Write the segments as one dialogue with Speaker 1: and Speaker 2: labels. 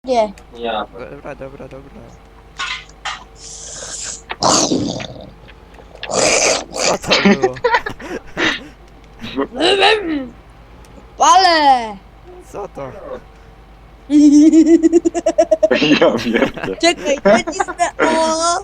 Speaker 1: Nie.
Speaker 2: Ja.
Speaker 3: Dobra, dobra, dobra. Co to było?
Speaker 1: Ale!
Speaker 3: Co to?
Speaker 4: Ja wiem.
Speaker 1: Czekaj, nacisnę. O!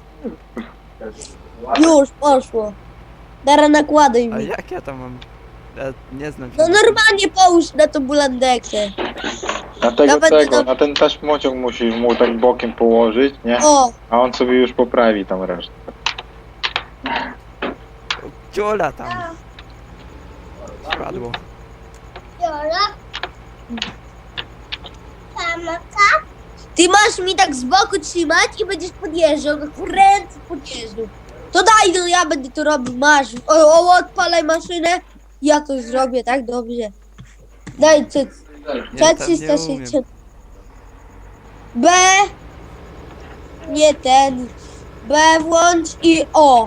Speaker 1: Już, poszło. Teraz nakładaj
Speaker 3: A
Speaker 1: mi.
Speaker 3: jak ja to mam? Ja nie znam się.
Speaker 1: No
Speaker 3: na tym.
Speaker 1: normalnie połóż na tą bulandekę.
Speaker 4: Na tego,
Speaker 1: Nawet
Speaker 4: tego,
Speaker 1: tam-
Speaker 4: na ten taśmociąg musisz mu tak bokiem położyć, nie?
Speaker 1: O!
Speaker 4: A on sobie już poprawi tam resztę.
Speaker 3: Ciula tam. Spadło.
Speaker 1: Ty masz mi tak z boku trzymać i będziesz podjeżdżał, jak w ręce podjeżdżał. To daj, no ja będę to robił, masz. O, odpalaj maszynę. Ja to zrobię, tak? Dobrze. Daj,
Speaker 3: Ja tam nie
Speaker 1: 360. B. Nie ten. B włącz i O.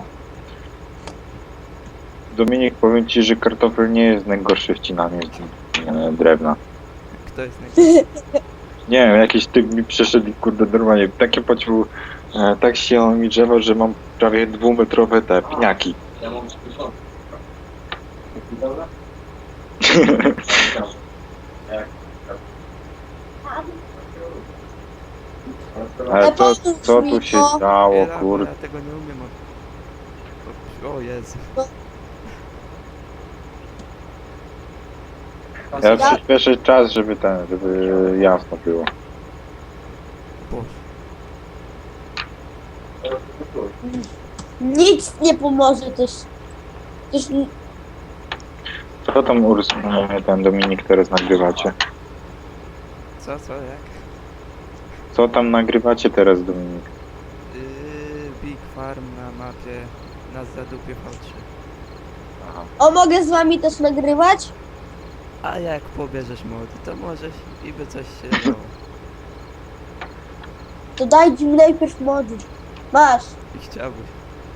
Speaker 4: Dominik, powiem ci, że kartofel nie jest najgorszy wcinanie drewna.
Speaker 3: Kto jest najgorszy?
Speaker 4: Nie wiem, jakiś typ mi przeszedł i kurde normalnie takie pociął, tak ścięło mi drzewo, że mam prawie 2-metrowe te piniaki.
Speaker 2: Ja mam słyszał. Dobra?
Speaker 4: Ale co,
Speaker 1: pomóż
Speaker 4: co
Speaker 1: mi,
Speaker 4: tu się
Speaker 1: no.
Speaker 4: stało,
Speaker 3: Ja
Speaker 4: kurde?
Speaker 3: tego nie umiem. O Jezu.
Speaker 4: Ja przyspieszę czas, żeby jasno było.
Speaker 3: Boże.
Speaker 1: Nic nie pomoże też. Też
Speaker 4: Co tam ten Dominik teraz nagrywacie?
Speaker 3: Co, jak?
Speaker 4: Co tam nagrywacie teraz, Dominik?
Speaker 3: Big Farm na mapie na zadupie V3.
Speaker 1: O, mogę z wami też nagrywać?
Speaker 3: A jak pobierzesz mody, to możesz i by coś się dało.
Speaker 1: To dajcie mi najpierw mody. Masz.
Speaker 3: I chciałbyś.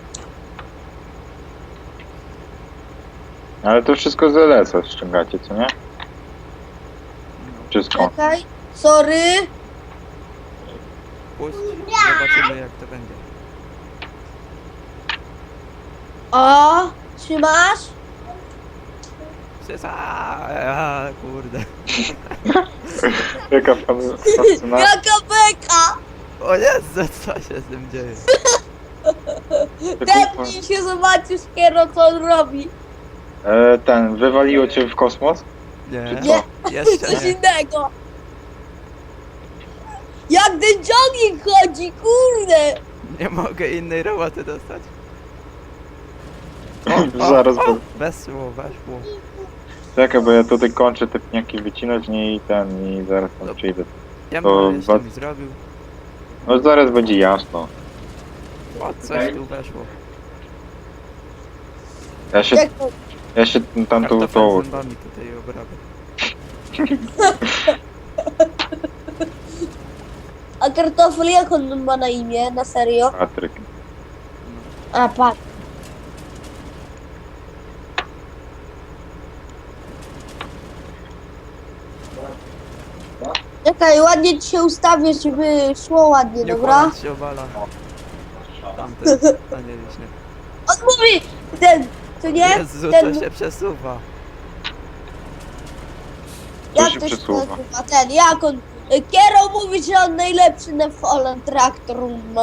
Speaker 4: Ale to wszystko z LS-a ściągacie, co nie?
Speaker 3: No.
Speaker 4: Wszystko.
Speaker 1: Czekaj. Sorry.
Speaker 3: Puść, zobaczymy jak to będzie.
Speaker 1: O, trzymasz?
Speaker 3: Kurde.
Speaker 4: Jaka fascynacja.
Speaker 1: Jaka beka!
Speaker 3: O Jezu, co się z tym dzieje?
Speaker 1: Tepnij się, zobaczysz Kiero, co on robi.
Speaker 4: Wywaliło cię w kosmos?
Speaker 3: Nie,
Speaker 4: Nie.
Speaker 3: jeszcze
Speaker 1: Coś
Speaker 3: nie.
Speaker 1: innego. Jak ten jogging chodzi, kurde.
Speaker 3: Nie mogę innej roboty dostać.
Speaker 4: Zaraz,
Speaker 3: Weszło, weszło.
Speaker 4: czekaj, bo ja tutaj kończę te pniaki wycinać, nie i zaraz tam przyjdę.
Speaker 3: Ja
Speaker 4: To
Speaker 3: bym jeszcze
Speaker 4: was-
Speaker 3: mi zrobił.
Speaker 4: No zaraz będzie jasno.
Speaker 3: O, coś tu weszło.
Speaker 1: Jak to?
Speaker 4: Ja się tamtą
Speaker 3: Kartofel
Speaker 4: to...
Speaker 3: zębami tutaj obrabiam.
Speaker 1: A kartofel jak on ma na imię, na serio?
Speaker 4: Patryk.
Speaker 1: A, patrz. Czekaj, ładnie ci się ustawię, żeby szło ładnie,
Speaker 3: Nie
Speaker 1: dobra?
Speaker 3: ponad się obala. Tamten, a nie wiśnie.
Speaker 1: On mówi, ten, co nie?
Speaker 3: Jezu,
Speaker 1: Ten,
Speaker 3: to się przesuwa.
Speaker 1: jak
Speaker 4: się
Speaker 1: to się
Speaker 4: przesuwa?
Speaker 1: nazywa? Ten, jak on? Kiero mówi, że on najlepszy na Fallen Traktor ma.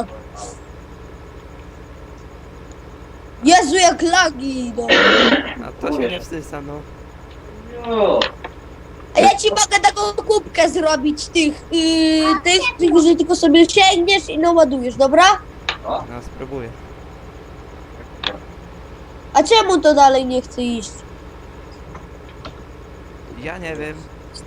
Speaker 1: Jezu, jak lagi idą.
Speaker 3: A to się nie wstysa, no.
Speaker 2: No.
Speaker 1: A ja ci mogę taką kubkę zrobić tych, że tylko sobie sięgniesz i naładujesz, dobra?
Speaker 3: No, spróbuję.
Speaker 1: A czemu to dalej nie chce iść?
Speaker 3: Ja nie wiem.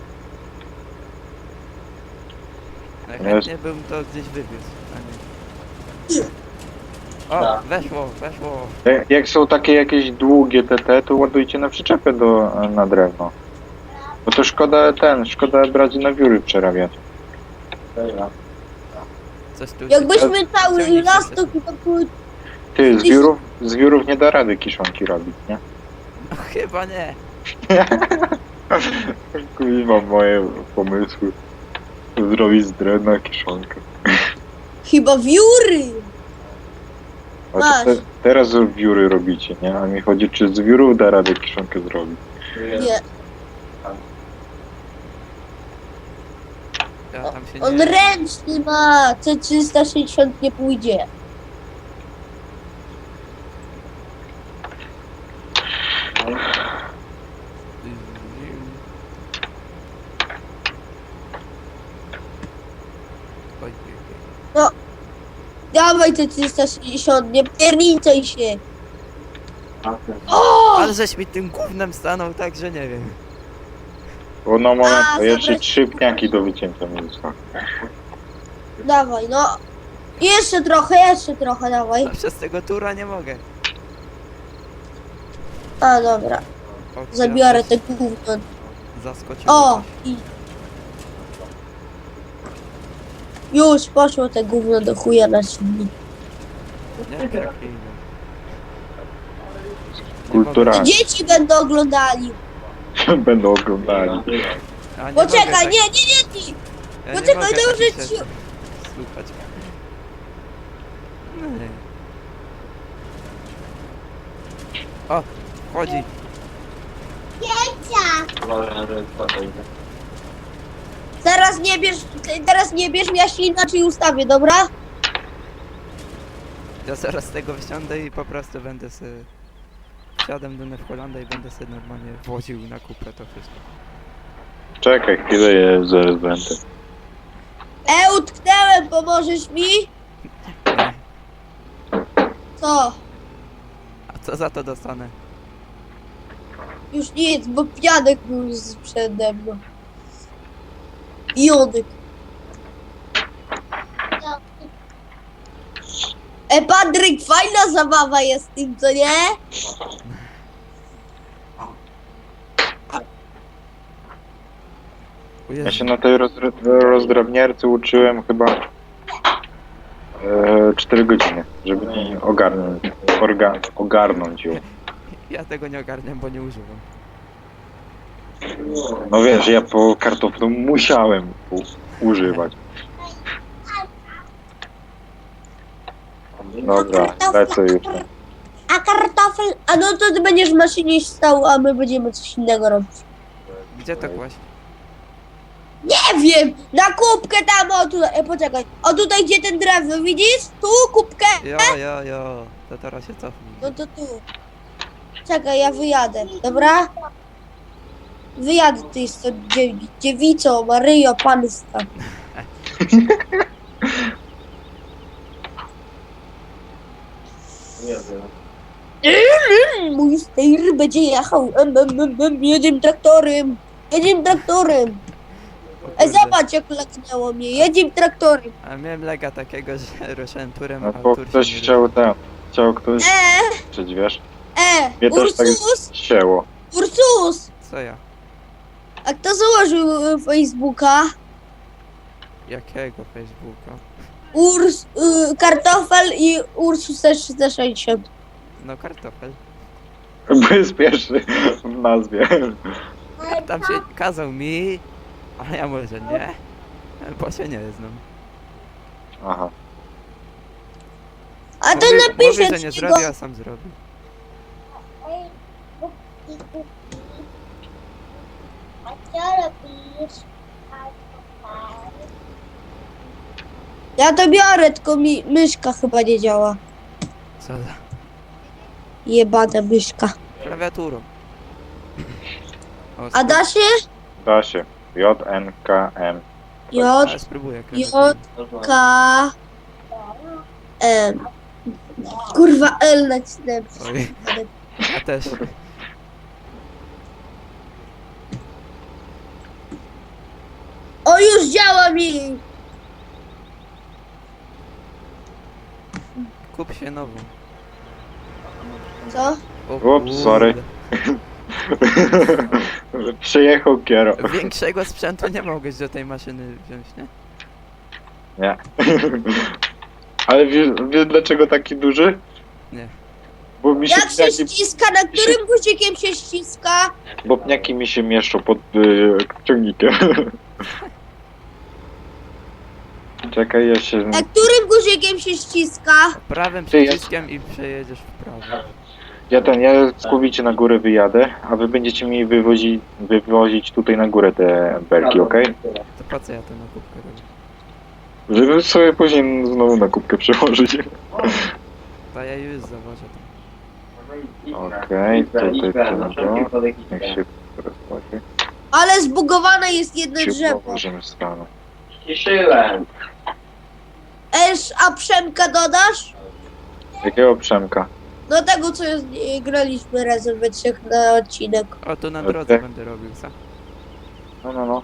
Speaker 3: Jak
Speaker 4: Jest.
Speaker 3: chętnie bym to gdzieś wywiózł, a nie. O,
Speaker 2: Tak.
Speaker 3: weszło.
Speaker 4: Jak są takie jakieś długie TT, to ładujcie na przyczepę na drewno. Bo to szkoda brać na wióry przerabiać.
Speaker 2: Dobra.
Speaker 3: Coś tu...
Speaker 1: Jakbyśmy cały
Speaker 3: Ciągnik
Speaker 1: las
Speaker 3: się-
Speaker 1: to były...
Speaker 4: Ty, z wiórów nie da rady kiszonki robić, nie?
Speaker 3: No, chyba nie.
Speaker 4: Kurwa, moje pomysły. Zrobić z drewna kiszonkę.
Speaker 1: Chyba wióry.
Speaker 4: A
Speaker 1: Masz.
Speaker 4: to teraz wióry robicie, nie? A mi chodzi, czy z wiórów da radę kiszonkę zrobić.
Speaker 1: Nie,
Speaker 3: Ja tam się
Speaker 1: on
Speaker 3: nie...
Speaker 1: ręczny ma. C360 nie pójdzie.
Speaker 3: Oj, oj, oj.
Speaker 1: Dawaj C360, nie pierniczaj się. O!
Speaker 3: Ale żeś mi tym gównem stanął tak, że nie wiem.
Speaker 4: Bo na moment,
Speaker 1: A,
Speaker 4: to jeszcze
Speaker 1: zabrać-
Speaker 4: 3 pniaki do wycięcia mi zostały.
Speaker 1: Dawaj, no. Jeszcze trochę, dawaj.
Speaker 3: A przez tego tura nie mogę.
Speaker 1: A, dobra.
Speaker 3: O,
Speaker 1: Zabiorę
Speaker 3: ja
Speaker 1: te gówno.
Speaker 3: Zaskoczyłem.
Speaker 1: O! I... Już poszło te gówno do chuja na silnik.
Speaker 3: Nie, trafiłem.
Speaker 4: Kulturalnie.
Speaker 1: Dzieci będą oglądali.
Speaker 4: Będą oglądali.
Speaker 3: A, nie
Speaker 1: Poczekaj,
Speaker 3: mogę tak-
Speaker 1: nie, ty.
Speaker 3: ja nie
Speaker 1: poczekaj,
Speaker 3: mogę
Speaker 1: dobrze
Speaker 3: takich
Speaker 1: ci-
Speaker 3: rzeczy słuchać. Nie. O, wchodzi.
Speaker 1: Teraz nie bierz, ja się inaczej ustawię, dobra?
Speaker 3: Ja zaraz z tego wsiądę i po prostu będę sobie... Wsiadam do Nefholanda i będę sobie normalnie woził na kupę to wszystko.
Speaker 4: Czekaj chwilę, ja zaraz będę.
Speaker 1: Utknęłem, pomożesz mi?
Speaker 3: Nie.
Speaker 1: Co?
Speaker 3: A co za to dostanę?
Speaker 1: Już nic, bo pianek był przede mną. Jonek. Patryk, fajna zabawa jest z tym, co nie?
Speaker 3: O
Speaker 4: Ja
Speaker 3: Jezu,
Speaker 4: się na tej rozdrabniarce uczyłem chyba 4 godziny, żeby nie ogarnąć ją.
Speaker 3: ja tego nie ogarniam, bo nie używam.
Speaker 4: No wiesz, ja po kartoflu musiałem używać. Dobra, lecę już.
Speaker 1: A kartofel? A no to ty będziesz w maszynie stał, a my będziemy coś innego robić.
Speaker 3: Gdzie to kłaść?
Speaker 1: Nie wiem! Na kubkę tam, o tutaj, poczekaj. O tutaj, gdzie ten drewno, widzisz? Tu kubkę.
Speaker 3: Jo, to teraz się cofnij.
Speaker 1: No to tu. Czekaj, ja wyjadę, dobra? Wyjadę ty z tą dziewicą, Maryjo Pańska. Mój stejr będzie jechał. Jedziemy traktorem. Jedziemy traktorem.
Speaker 3: O kurde.
Speaker 1: Zobacz jak leknęło mnie. Jedziemy traktorem.
Speaker 3: A miałem lega takiego, że ruszałem turem,
Speaker 4: No
Speaker 3: a
Speaker 4: bo
Speaker 3: tur się
Speaker 4: ktoś
Speaker 3: nie
Speaker 4: chciał ktoś
Speaker 1: E,
Speaker 4: krzyczeć, wiesz? Mnie też tak
Speaker 1: Ursus,
Speaker 4: ścięło.
Speaker 1: Ursus.
Speaker 3: Co ja?
Speaker 1: A kto założył Facebooka?
Speaker 3: Jakiego Facebooka?
Speaker 1: Kartofel i Ursus 360.
Speaker 3: No kartofel.
Speaker 4: Bo jest pierwszy w nazwie.
Speaker 3: Tam się kazał mi, ale ja może nie, bo się nie znam.
Speaker 4: Aha.
Speaker 1: A to
Speaker 3: Mówi,
Speaker 1: napiszę
Speaker 3: że nie
Speaker 1: ci go.
Speaker 3: zrobił, a sam zrobił.
Speaker 1: Ja to biorę, tylko mi myszka chyba nie działa.
Speaker 3: Co za
Speaker 1: Jebana myszka.
Speaker 3: klawiaturą. O,
Speaker 1: A da się?
Speaker 4: Da się. JNKM.
Speaker 1: J,
Speaker 3: Ale spróbuję
Speaker 1: J,
Speaker 3: klawiaturą.
Speaker 1: K, M. Kurwa, L nacisnąłem.
Speaker 3: Oj, ja też.
Speaker 1: O, już działa mi!
Speaker 3: Kup się nową.
Speaker 1: Co?
Speaker 3: O
Speaker 4: Ups,
Speaker 3: kurde.
Speaker 4: sorry. Przyjechał kiero.
Speaker 3: Większego sprzętu nie mogłeś do tej maszyny wziąć, nie?
Speaker 4: Nie. Ale wiesz dlaczego taki duży?
Speaker 3: Nie.
Speaker 4: Bo mi się
Speaker 1: Jak się
Speaker 4: pniaki,
Speaker 1: ściska? Na którym guzikiem się ściska?
Speaker 4: bo pniaki mi się mieszczą pod ciągnikiem. Czekaj, ja się...
Speaker 1: Którym guzikiem się ściska?
Speaker 3: Prawym
Speaker 4: Ty, ja-
Speaker 3: przyciskiem i przejedziesz w prawo.
Speaker 4: Ja całkowicie na górę wyjadę, a wy będziecie mi wywozić tutaj na górę te belki, okej?
Speaker 3: To po co ja tę nakupkę robię?
Speaker 4: Żeby sobie później znowu na kubkę przełożyć.
Speaker 3: To ja już zawożę tam.
Speaker 4: Okej, tutaj tego. Niech się rozchodzi.
Speaker 1: Ale zbugowane jest jedno
Speaker 4: Się
Speaker 1: drzewo.
Speaker 4: położymy w stronę.
Speaker 2: Ściszyłem.
Speaker 1: A Przemka dodasz?
Speaker 4: Jakiego Przemka?
Speaker 1: No tego, co graliśmy razem we trzech na odcinek.
Speaker 3: O, tu na
Speaker 4: Okej.
Speaker 3: drodze będę robił, co?
Speaker 4: No.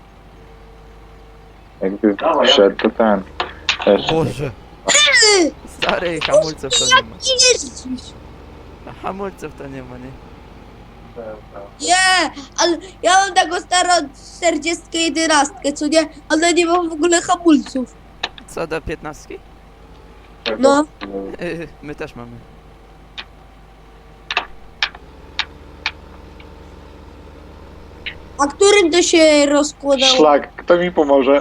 Speaker 4: Jakby wszedł, to ten. Też.
Speaker 3: Boże! Stary, hamulców to nie ma.
Speaker 1: Nie jeździsz.
Speaker 3: A hamulców to nie ma, nie?
Speaker 1: Nie, ale ja mam taką starą 40-11, co nie? Ale nie mam w ogóle hamulców.
Speaker 3: Co do 15?
Speaker 1: No.
Speaker 3: My też mamy.
Speaker 1: A którym to się rozkładało?
Speaker 4: Szlak, kto mi pomoże?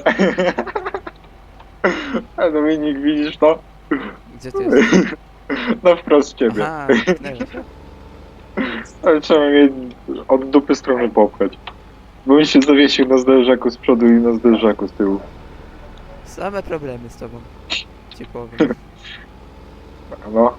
Speaker 4: A Dominik, widzisz to?
Speaker 3: Gdzie ty jesteś?
Speaker 4: No wprost ciebie.
Speaker 3: Aha, tknęło się.
Speaker 4: Ale trzeba mnie od dupy strony popchać. Bo mi się zawiesił na zderzaku z przodu i na zderzaku z tyłu.
Speaker 3: Same problemy z tobą. Ci powiem.
Speaker 4: No.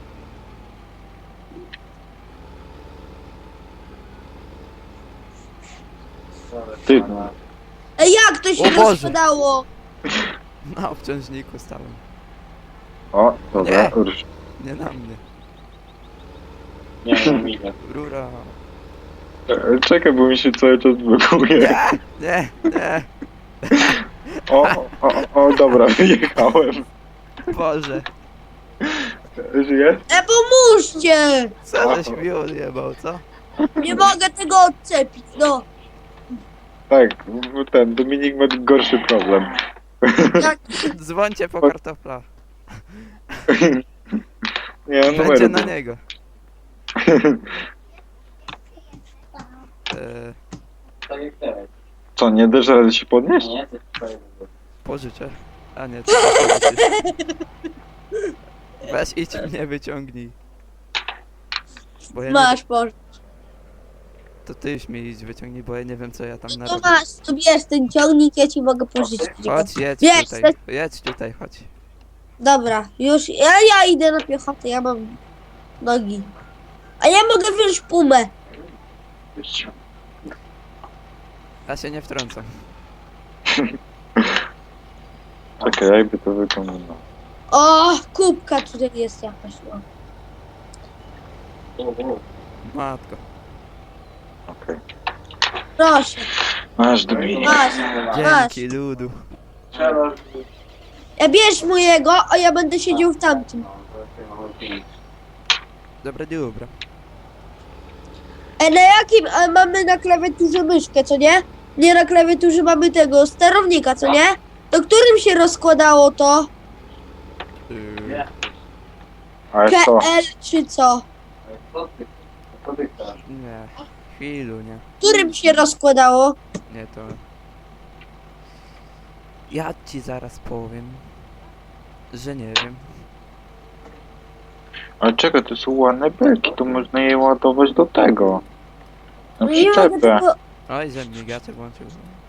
Speaker 4: Ty,
Speaker 1: Ej, jak to się
Speaker 3: O Boże.
Speaker 1: rozkładało?
Speaker 3: Na obciążniku stałem.
Speaker 4: o, dobra,
Speaker 3: Nie.
Speaker 4: rusz.
Speaker 3: Nie na mnie.
Speaker 2: Nie, nie widzę.
Speaker 3: Rura.
Speaker 4: Czekaj, bo mi się cały czas blokuje.
Speaker 3: Nie.
Speaker 4: O, dobra, wyjechałem.
Speaker 3: Boże.
Speaker 4: Żyjesz?
Speaker 1: Pomóżcie!
Speaker 3: Co żeś mi odjebał, co?
Speaker 1: Nie mogę tego odczepić, no.
Speaker 4: Tak, bo ten Dominik ma gorszy problem.
Speaker 1: Jak
Speaker 3: Dzwońcie po kartofla.
Speaker 4: Nie, on
Speaker 3: Będzie
Speaker 4: numeru.
Speaker 3: na niego.
Speaker 2: Tak jak teraz.
Speaker 4: Co, nie dasz rady się podnieść?
Speaker 2: Nie, to jest twoje.
Speaker 3: Pożyczę. A nie, to pożyczysz. Weź idź mnie wyciągnij. Bo ja nie,
Speaker 1: masz, Boże.
Speaker 3: to ty już mnie idź wyciągnij, bo ja nie wiem co ja tam
Speaker 1: To
Speaker 3: narobię.
Speaker 1: masz, to bierz ten ciągnik, ja ci mogę pożyczyć.
Speaker 3: Chodź, jedź
Speaker 1: Wiesz,
Speaker 3: tutaj.
Speaker 1: to-
Speaker 3: Jedź tutaj, chodź.
Speaker 1: Dobra, już, ja idę na piechotę, ja mam nogi. A ja mogę wziąć pumę.
Speaker 3: Ja się nie wtrącam.
Speaker 4: Czekaj, jakby to wyglądało.
Speaker 1: O, kubka tutaj jest jakaś, no.
Speaker 3: Matko.
Speaker 4: Okej.
Speaker 1: Proszę,
Speaker 4: Masz Dominik.
Speaker 1: masz.
Speaker 3: Dzięki ludu.
Speaker 2: Trzeba...
Speaker 1: Ja bierz mojego, a ja będę siedział w tamtym.
Speaker 3: Dobra.
Speaker 1: Na jakim mamy na klawiaturze myszkę, co nie? Nie, na klawiaturze mamy tego sterownika, co nie? To którym się rozkładało to?
Speaker 2: Nie.
Speaker 4: Ale co?
Speaker 1: KL czy co?
Speaker 2: Co ty chcesz?
Speaker 3: Nie. Chwilu, nie.
Speaker 1: Którym się rozkładało?
Speaker 3: Nie to. Ja ci zaraz powiem, że nie wiem.
Speaker 4: Ale czekaj, to są ładne belki, to można je ładować do tego. Na
Speaker 1: No nie mogę
Speaker 4: przyczepę.
Speaker 1: tego...
Speaker 3: Oj, że migacze włączył.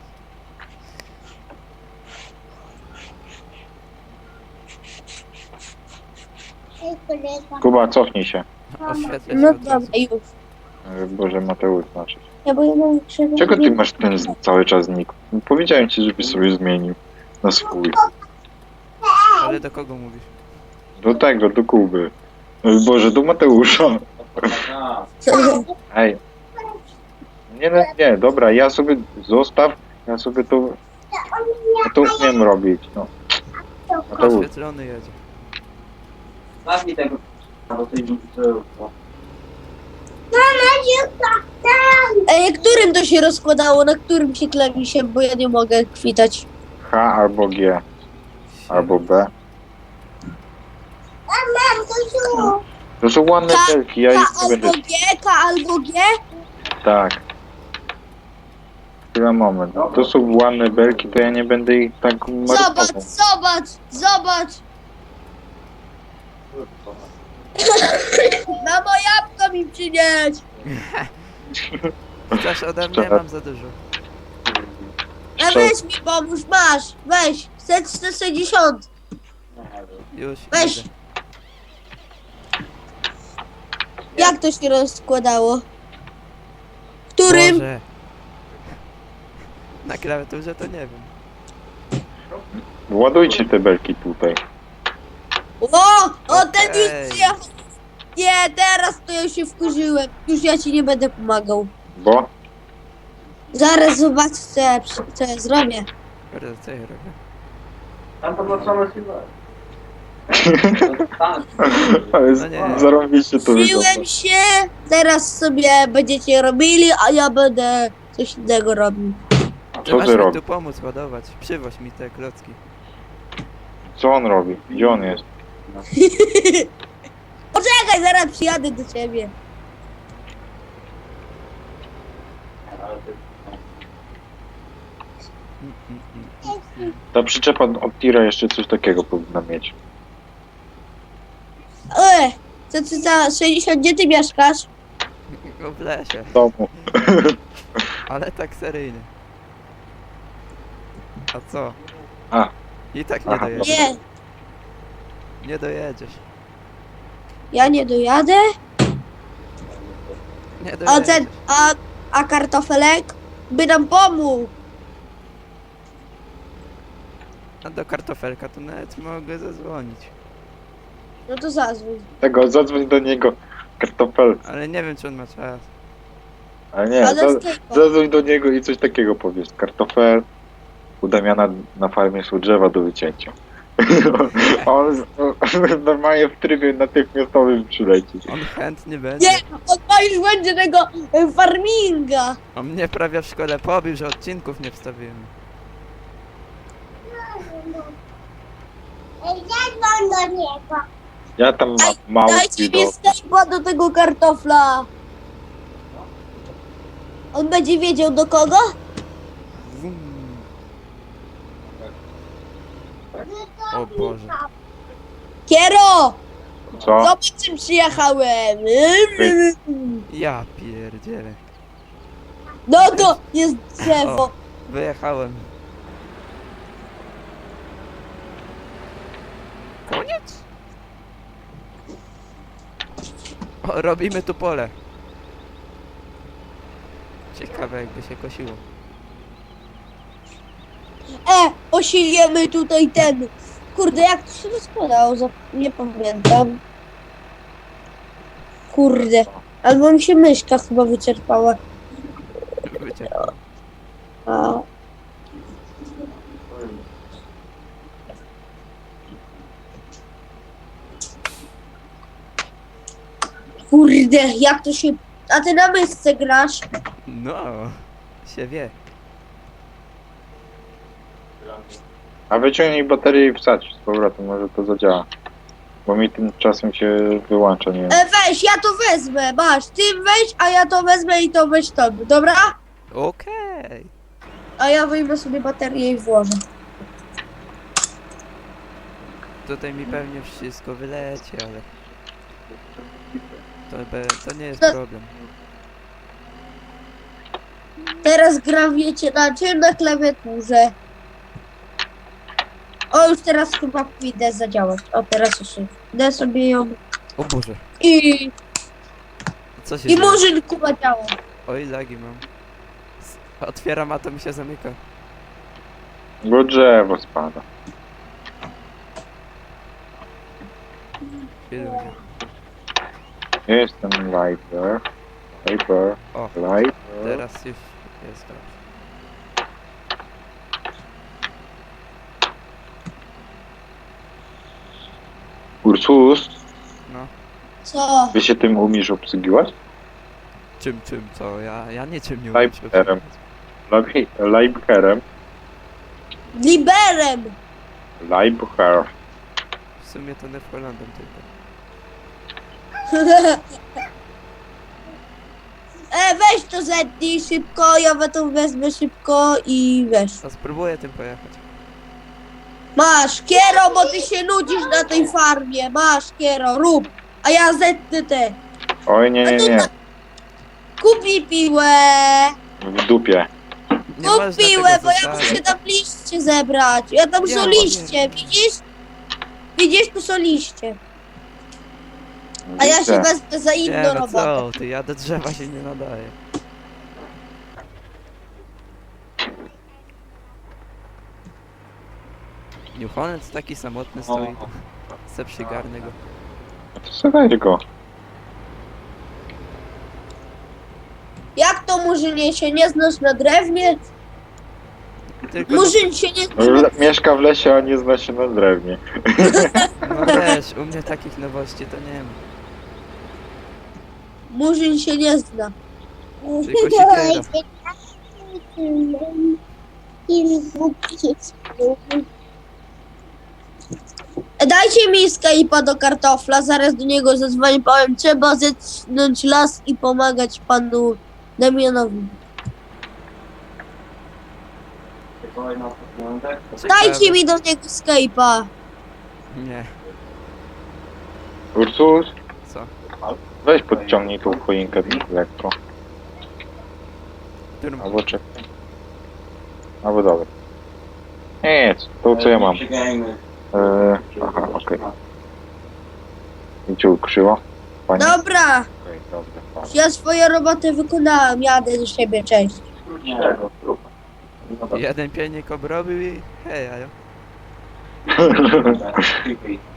Speaker 4: Kuba, cofnij się.
Speaker 3: Oświetlę się
Speaker 1: No
Speaker 3: od razu.
Speaker 1: dobra, już.
Speaker 4: Boże, Mateusz znaczy.
Speaker 1: Ja bo ja mam krzywy.
Speaker 4: Czego ty masz ten cały czas nick? Powiedziałem ci, żebyś sobie zmienił na swój.
Speaker 3: Ale do kogo mówisz?
Speaker 4: Do tego, do Kuby. Boże, do Mateusza.
Speaker 2: A,
Speaker 4: Ej. Nie, dobra, ja sobie zostaw, ja sobie to... Ja to umiem robić, no. Mateusz,
Speaker 3: Oświetlony jedzie.
Speaker 2: masz mi tego... Bo ty
Speaker 1: Którym to się rozkładało? Na którym się klawisiem? Bo ja nie mogę kwitać.
Speaker 4: H albo G, albo B. To są ładne belki, ja
Speaker 1: K
Speaker 4: ich nie będę...
Speaker 1: albo G, K albo G?
Speaker 4: Tak. chwila, moment. To są ładne belki, to ja nie będę ich tak
Speaker 1: Zobacz,
Speaker 4: marnował.
Speaker 1: zobacz, zobacz! Mamo, jabłko mi przynieść!
Speaker 3: Chcesz ode mnie? Mam za dużo.
Speaker 1: A weź mi pomóż, masz, weź, 160.
Speaker 3: Już
Speaker 1: Weź.
Speaker 3: idę.
Speaker 1: Jak to się rozkładało? Którym?
Speaker 3: Boże. Na klawiaturze to nie wiem.
Speaker 4: Ładujcie te belki tutaj.
Speaker 1: O, ten
Speaker 3: Okej.
Speaker 1: już przyjechał. Nie, teraz to ja się wkurzyłem. Już ja ci nie będę pomagał.
Speaker 4: Bo?
Speaker 1: Zaraz zobacz, co ja zrobię.
Speaker 3: Kurde, co ja robię?
Speaker 2: Tam podłączone silver. Tak.
Speaker 4: Ale
Speaker 3: No nie.
Speaker 4: zarąbiście to wygląda.
Speaker 1: Wkurzyłem się, teraz sobie będziecie robili, a ja będę coś innego robił.
Speaker 3: Ty
Speaker 4: Co
Speaker 3: masz
Speaker 4: ty
Speaker 3: mi
Speaker 4: robisz?
Speaker 3: tu pomóc ładować. Przywoź mi te klocki.
Speaker 4: Co on robi? Gdzie on jest?
Speaker 1: Poczekaj, zaraz przyjadę do ciebie.
Speaker 4: Ta przyczepa od tira jeszcze coś takiego powinna mieć.
Speaker 1: Co ty za 60, gdzie ty mieszkasz?
Speaker 3: W lesie.
Speaker 4: W domu.
Speaker 3: Ale tak seryjny. A co?
Speaker 4: A.
Speaker 3: I tak nie
Speaker 4: Aha,
Speaker 3: dojedziesz.
Speaker 1: Nie,
Speaker 3: Nie dojedziesz.
Speaker 1: ja nie dojadę.
Speaker 3: Nie
Speaker 1: A
Speaker 3: dojedziesz.
Speaker 1: ten, a kartofelek by nam pomógł.
Speaker 3: A do kartofelka to nawet mogę zadzwonić.
Speaker 1: No to zadzwoń.
Speaker 4: Tego, zadzwoń do niego. Kartofel.
Speaker 3: Ale nie wiem, czy on ma czas.
Speaker 4: Ale nie,
Speaker 1: Ale z tego.
Speaker 4: zadzwoń do niego i coś takiego powiesz. Kartofel. U Damiana na farmie są drzewa do wycięcia. On normalnie w trybie natychmiastowym przyleci.
Speaker 3: On chętnie będzie.
Speaker 1: Nie, on ma już będzie tego farminga.
Speaker 3: On mnie prawie w szkole pobił, że odcinków nie wstawiłem.
Speaker 1: Zadzwoń do niego.
Speaker 4: Ja tam mam mało
Speaker 1: Dajcie mi
Speaker 4: widok.
Speaker 1: stejpa do tego kartofla. On będzie wiedział do kogo?
Speaker 3: Wum. O Boże.
Speaker 1: Kiero!
Speaker 4: Co?
Speaker 1: Zobacz, czym przyjechałem.
Speaker 3: Ja pierdzielę.
Speaker 1: No to jest drzewo.
Speaker 3: O. Wyjechałem. Koniec? O, robimy tu pole. Ciekawe, jakby się kosiło.
Speaker 1: Osiliemy tutaj ten. Kurde, jak to się rozkładało? Nie pamiętam. Kurde. Albo mi się myszka chyba wyczerpała.
Speaker 3: Wyciekło.
Speaker 1: A. Kurde, jak to się... A ty na myszce grasz?
Speaker 3: No, się wie.
Speaker 4: A wyciągnij baterię i wsadź z powrotem, może to zadziała. Bo mi tymczasem się wyłącza, nie wiem.
Speaker 1: Weź, ja to wezmę, masz. Ty weź, a ja to wezmę i to weź to, dobra?
Speaker 3: Okej.
Speaker 1: A ja wyjmę sobie baterię i włożę.
Speaker 3: Tutaj mi pewnie wszystko wyleci, ale... To nie jest
Speaker 1: No.
Speaker 3: problem.
Speaker 1: Teraz gram, wiecie, na czym? Na klawiaturze. O, już teraz chyba pójdę zadziałać. O, teraz już idę sobie ją.
Speaker 3: O Boże.
Speaker 1: I
Speaker 3: Co się
Speaker 1: I
Speaker 3: dzieje?
Speaker 1: murzyn kuba działa.
Speaker 3: Oj, lagi mam. Otwieram, a to mi się zamyka.
Speaker 4: Bo drzewo spada.
Speaker 3: Chwiluję.
Speaker 4: Jestem lighter. Lighter.
Speaker 3: O,
Speaker 4: Lighter.
Speaker 3: teraz już jest dobrze.
Speaker 4: Ursus,
Speaker 3: No.
Speaker 1: Co?
Speaker 4: wy się tym umiesz obsługiwać?
Speaker 3: Czym, co? Ja niczym nie umiem się
Speaker 4: Lighterem.
Speaker 3: obsługiwać.
Speaker 4: Lighterem.
Speaker 1: Liberem!
Speaker 4: Lighter.
Speaker 3: W sumie to Neverlandem tylko.
Speaker 1: Weź to zetnij szybko, ja to wezmę szybko i weź.
Speaker 3: To spróbuję tym pojechać.
Speaker 1: Masz, Kiero, bo ty się nudzisz na tej farmie. Masz, Kiero, rób. A ja zetnę te.
Speaker 4: Oj, nie.
Speaker 1: Kup mi piłę.
Speaker 4: W dupie.
Speaker 3: Nie można
Speaker 1: Kup piłę,
Speaker 3: tego
Speaker 1: bo ja
Speaker 3: zostawić.
Speaker 1: muszę tam liście zebrać. Ja tam
Speaker 3: Nie,
Speaker 1: są
Speaker 3: bo
Speaker 1: liście, widzisz? Widzisz, tu są liście. A ja się
Speaker 4: Widzę.
Speaker 1: wezmę za inną
Speaker 3: Nie no
Speaker 1: robotę.
Speaker 3: co, ty, ja do drzewa się nie nadaję. Newfoundland taki samotny stoi. Se przygarnę go.
Speaker 4: To sobie go.
Speaker 1: Jak to Murzynie się nie znasz na drewnie?
Speaker 3: Tylko
Speaker 1: Murzyn się nie zna na...
Speaker 4: Mieszka w lesie, a nie zna się na drewnie.
Speaker 3: no wiesz, u mnie takich nowości to nie ma.
Speaker 1: Murzyn się nie zna.
Speaker 3: Tylko siekiera.
Speaker 1: Dajcie mi Skype'a do kartofla, zaraz do niego zadzwonię, powiem, trzeba zetnąć las i pomagać panu Damianowi. Dajcie mi do niego Skype'a.
Speaker 3: Nie,
Speaker 4: Ursus,
Speaker 3: co?
Speaker 4: weź podciągnij tą choinkę lekko.
Speaker 3: Którym...
Speaker 4: Albo czekaj. Albo dobra. Nic, to co ja mam. Aha, okej. I cię ukrzyło? Pani?
Speaker 1: Dobra,
Speaker 4: Okej, dobrze, fajnie.
Speaker 1: ja swoją robotę wykonałem, jadę do siebie, cześć.
Speaker 3: Jeden pielnik obrobił i hej, ajo.
Speaker 2: Nie.